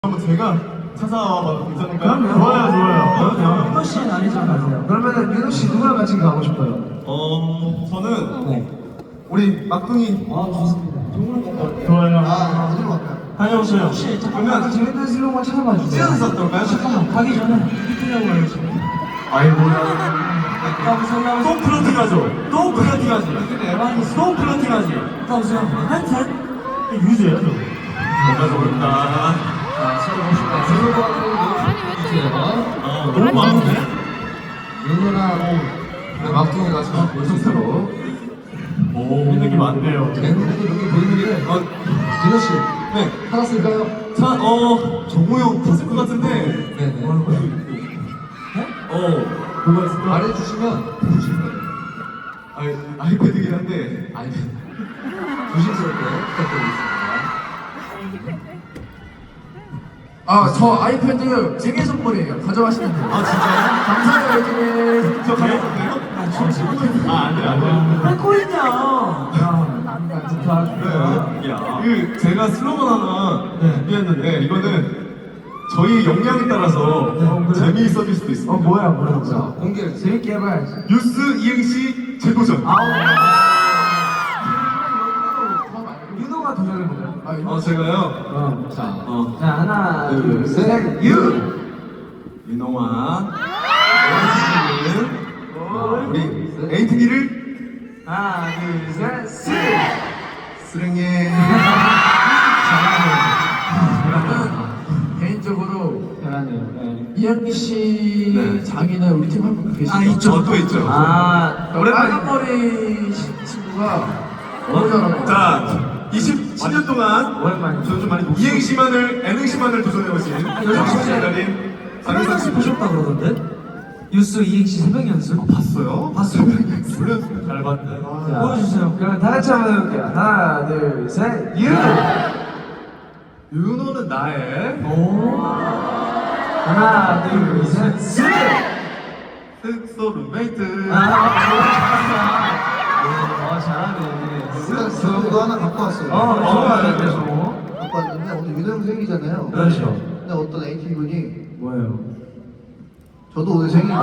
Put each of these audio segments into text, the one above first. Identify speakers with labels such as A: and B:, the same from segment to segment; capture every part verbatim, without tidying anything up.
A: 한번 제가 찾아봐도 괜찮을까요?
B: 그럼요.
A: 좋아요, 좋아요. 그럼요.
B: 민호 씨는 아니죠, 가세요. 그러면은 민호 씨 누구랑 같이 가고 싶어요?
A: 어, 저는
B: 네.
A: 우리 막둥이.
B: 아 좋습니다. 누구랑 갈것 같아요?
A: 좋아요.
C: 아, 어디로 갈까요?
A: 다녀오세요.
B: 혹시 잠깐만 그 재밌는 슬로건 찾아봐 주세요.
A: 찌어서 어떨까요?
B: 잠깐만 가기 전에 히트라고 해야지.
A: 아이고야.
B: 나오세요, 나오세요.
A: 또 플러팅하죠. 또 플러팅하지.
B: 근데 에반이
A: 또 플러팅하지.
B: 나오세요. 한셋.
A: 유지해야죠. 뭔가 좋을까.
B: 자, 찾아봅시다. 슬로건을 주세요.
A: 아, 너무 많은데?
C: 윤호랑 막둥이가 참 연속으로
A: 오, 느낌 많네요.
C: 앵글도 이렇게 보이는 게 어, 민호 씨, 네, 찾았을까요?
A: 자, 어, 정우 형 봤을 것 같은데.
C: 네네.
A: 어, 뭐가 있을까?
C: 말해주시면 보실 거예요.
A: 아이, 아이패드긴 한데.
C: 아니, 조심스럽게 부탁드리겠습니다.
B: 아, 저 아이패드 생일 선물이에요. 가져가시면 돼요.
A: 아, 진짜요?
B: 감사해요, 이렇게.
A: 저 가져올게요? 아, 안 돼, 안 돼.
B: 할거 있냐? 야, 좋다.
A: 야, 그 제가 슬로건 하나
B: 네.
A: 준비했는데 이거는 저희 역량에 따라서
B: 어, 그래요?
A: 재미있어질 수도 있습니다.
B: 어, 뭐야, 뭐야,
C: 자,
B: 뭐야.
C: 공개를
B: 재밌게 해봐야지.
A: 뉴스 이행시 재도전.
B: 아우. 윤호가 도전해보자. 아,
A: 어, 제가요.
B: 어.
C: 자,
A: 어,
B: 자, 하나,
A: 둘,
B: 둘,
A: 셋,
B: 셋, 유!
A: 윤홍아, 우리 에이트니를
B: 하나, 둘, 셋, 스!
A: 수령해.
B: 저는 개인적으로
C: 잘하네요.
B: 네. 이현미 씨
A: 네.
B: 장인은 우리 팀 한 분 계시죠?
A: 아, 있죠. 어, 또 있죠.
B: 아,
A: 오랜만에.
B: 빨간 머리 시- 친구가 너무 잘하고.
A: 자, 이십칠 년 동안
B: 오랜만에.
A: 저는 좀 많이 이행시만을, N행시만을 도전해보신
B: 요즘
A: 씨
B: 진짜
A: 기다린
B: 상상 씨 보셨다 그러던데? 뉴스 이행시 새벽 연습?
A: 봤어요?
B: 봤어요.
A: 몰랐어요. 잘 봤네.
B: 자, 보여주세요. 그럼 다 같이 한번 해볼게요. 하나, 둘, 셋, 유!
A: 윤호는 나의
B: 오. 하나, 둘, 셋, 스!
A: 흑소 룸메이트.
B: 아, 아, 잘하네.
C: 저도 하나 갖고 왔어요.
B: 어, 좋아하는데, 저거.
C: 갖고 왔는데 오늘 윤호 형 생일이잖아요.
B: 그렇죠.
C: 근데 어떤 에이티 분이
B: 뭐예요?
C: 저도 오늘 생일.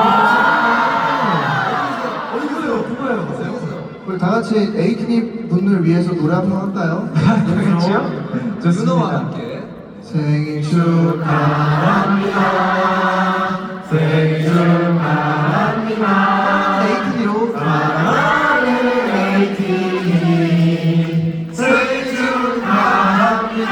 B: 아,
A: 어디 계세요? 누구예요? 보세요.
C: 우리 다 같이 에이티니 분을 위해서 노래 한 번 할까요?
B: 그렇죠?
C: 윤호와 함께 생일 축하합니다. 생일 축하합니다. 에이티니로 사랑하는 에이티니 생일 축하합니다.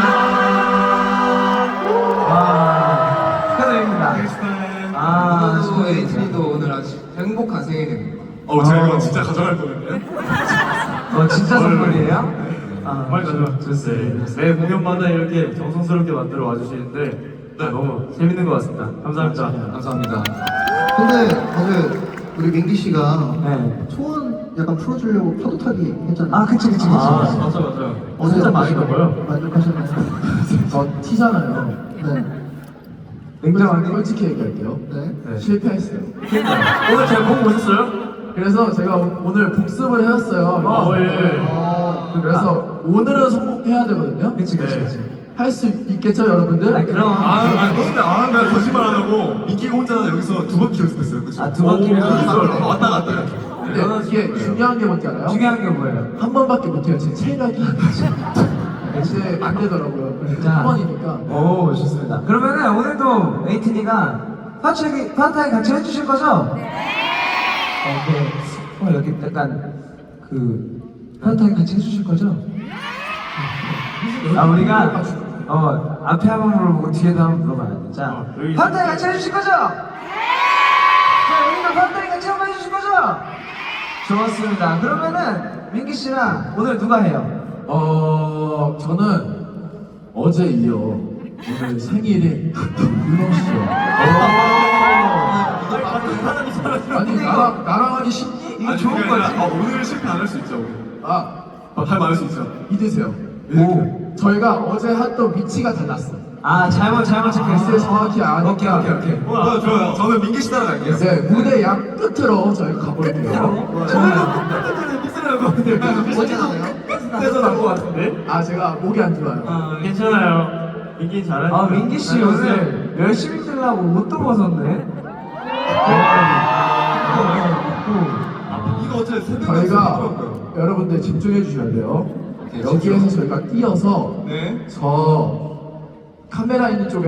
B: 와, 축하드립니다. 아,
C: 또 에이티니도 오늘 아주 행복한 생일입니다.
A: 어, 제가 이거 진짜 가져갈 뻔했네요.
B: 어, 진짜 선물이에요? 아,
A: 빨리 가져와.
D: 네, 매 공연마다 이렇게 정성스럽게 만들어 와주시는데 네, 너무 재밌는 것 같습니다. 감사합니다.
C: 감사합니다. 근데 어제 우리 민기 씨가
B: 네.
C: 초원 약간 풀어주려고 파도 타기 했잖아요.
B: 아, 그치, 그치, 그치.
D: 아, 맞아, 맞아.
C: 어제
D: 진짜 많이
C: 어떠셨어요?
D: 가고요.
C: 만족하셨나요?
B: 저 티잖아요.
C: 네.
B: 냉정하게 솔직히 얘기할게요.
C: 네.
D: 네.
B: 실패했어요.
D: 오늘 제가 보고 오셨어요?
B: 그래서 제가 오- 오늘 복습을 해왔어요.
D: 아, 예.
B: 어, 그래서 오늘은 성공해야 되거든요.
D: 그치, 그치, 그치.
B: 할 수 있겠죠, 여러분들?
D: 아니, 그럼.
A: 아, 아, 근데 아, 나 거짓말 안 하고 민기가 혼자 여기서 두 바퀴 연습했어요. 그쵸?
B: 아, 두 바퀴를
A: 오,
B: 연습을.
A: 어, 왔다 갔다 이렇게.
B: 근데 이게 중요한 게 뭔지 알아요? 중요한 게 뭐예요? 한 번밖에 못해요. 제 체력이 이제 안 되더라고요. 그래서 한 번이니까.
E: 오, 좋습니다. 그러면은 오늘도 에이티니가 파트기 파트에 같이 해주실 거죠? 네. 어, 그, 어, 여기 약간 그 파트에 같이 해주실 거죠? 아, 우리가 어 앞에 한번 물어보고 뒤에도 한번 물어봐야 돼. 자,
D: 어, 여기
E: 파트에 같이 해주실 거죠? 네. 여기도 파트에 같이 한번 해주실 거죠? 좋았습니다. 그러면은 민기 씨랑 오늘 누가 해요?
B: 어, 저는 어제 이어 오늘 생일인 윤호 씨요. 아니 나랑 나랑 하기 쉽니?
A: 이거 좋은 거지. 아, 오늘 실패 안 할 수 있죠, 우리.
B: 아,
A: 아, 할 말할 수 있죠.
B: 믿으세요.
A: 오.
B: 저희가 어제 했던 위치가 달랐어.
E: 아, 잘못 잘못 체크했어요.
B: 글쎄 정확히 아니까.
E: 오케이, 오케이, 오케이.
A: 어, 좋아요. 저는 민기 씨 따라갈게요.
B: 이제 무대 양 끝으로 저희가 가볼게요.
C: 어제 나네요.
D: 끝에서 난것 같은데?
B: 아 제가 목이 안 좋아요.
D: 아, 괜찮아요. 민기 잘하니까.
E: 아 민기 씨 오늘 열심히 뛰려고 옷도 벗었네.
A: 이거 어차피 새벽에
B: 저희가
A: 쓰더라고요.
B: 여러분들 집중해 주셔야 돼요. 여기에서 저희가 뛰어서
A: 네.
B: 저 카메라 있는 쪽에